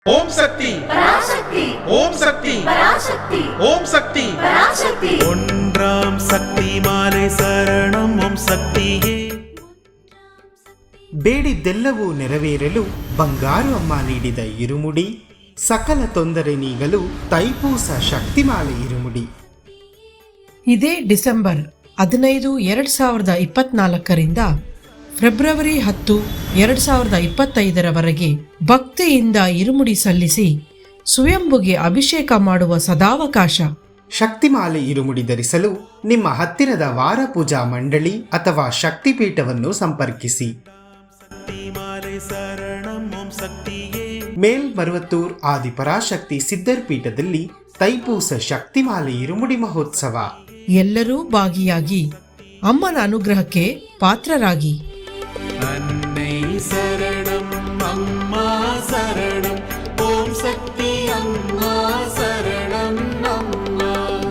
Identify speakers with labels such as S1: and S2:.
S1: ஓம் சக்தி
S2: பராசக்தி,
S1: ஓம் சக்தி
S2: பராசக்தி,
S1: ஓம் சக்தி
S2: பராசக்தி.
S3: ஒன்றாம் சக்தி மாலை சரணம் ಓಂ ಸಕ್ತಿಯೇ.
S4: ಬೇಡಿದ್ದೆಲ್ಲವೂ ನೆರವೇರಲು ಬಂಗಾರು ಅಮ್ಮ ನೀಡಿದ ಇರುಮುಡಿ, ಸಕಲ ತೊಂದರೆ ನೀಗಲು ತೈಪೂಸ ಶಕ್ತಿಮಾಲೆ ಇರುಮುಡಿ.
S5: ಇದೇ ಡಿಸೆಂಬರ್ 15, 2024ರಿಂದ ಫೆಬ್ರವರಿ 10, 2025ರವರೆಗೆ ಭಕ್ತಿಯಿಂದ ಇರುಮುಡಿ ಸಲ್ಲಿಸಿ ಸ್ವಯಂಭುಗೆ ಅಭಿಷೇಕ ಮಾಡುವ ಸದಾವಕಾಶ.
S4: ಶಕ್ತಿಮಾಲೆ ಇರುಮುಡಿ ಧರಿಸಲು ನಿಮ್ಮ ಹತ್ತಿರದ ವಾರ ಪೂಜಾ ಮಂಡಳಿ ಅಥವಾ ಶಕ್ತಿಪೀಠವನ್ನು ಸಂಪರ್ಕಿಸಿ.
S3: ಮಾಲೆ ಶರಣಂ ಓಂ ಸಕ್ತಿಯೇ.
S4: ಮೇಲ್ಮರುವತ್ತೂರ್ ಆದಿಪರಾಶಕ್ತಿ ಸಿದ್ಧರ್ ಪೀಠದಲ್ಲಿ ತೈಪೂಸ ಶಕ್ತಿಮಾಲೆ ಇರುಮುಡಿ ಮಹೋತ್ಸವ.
S5: ಎಲ್ಲರೂ ಭಾಗಿಯಾಗಿ ಅಮ್ಮನ ಅನುಗ್ರಹಕ್ಕೆ ಪಾತ್ರರಾಗಿ.
S3: ಅನ್ನೈ ಶರಣಂ ಅಮ್ಮ ಶರಣಂ ಓಂ ಸಕ್ತಿ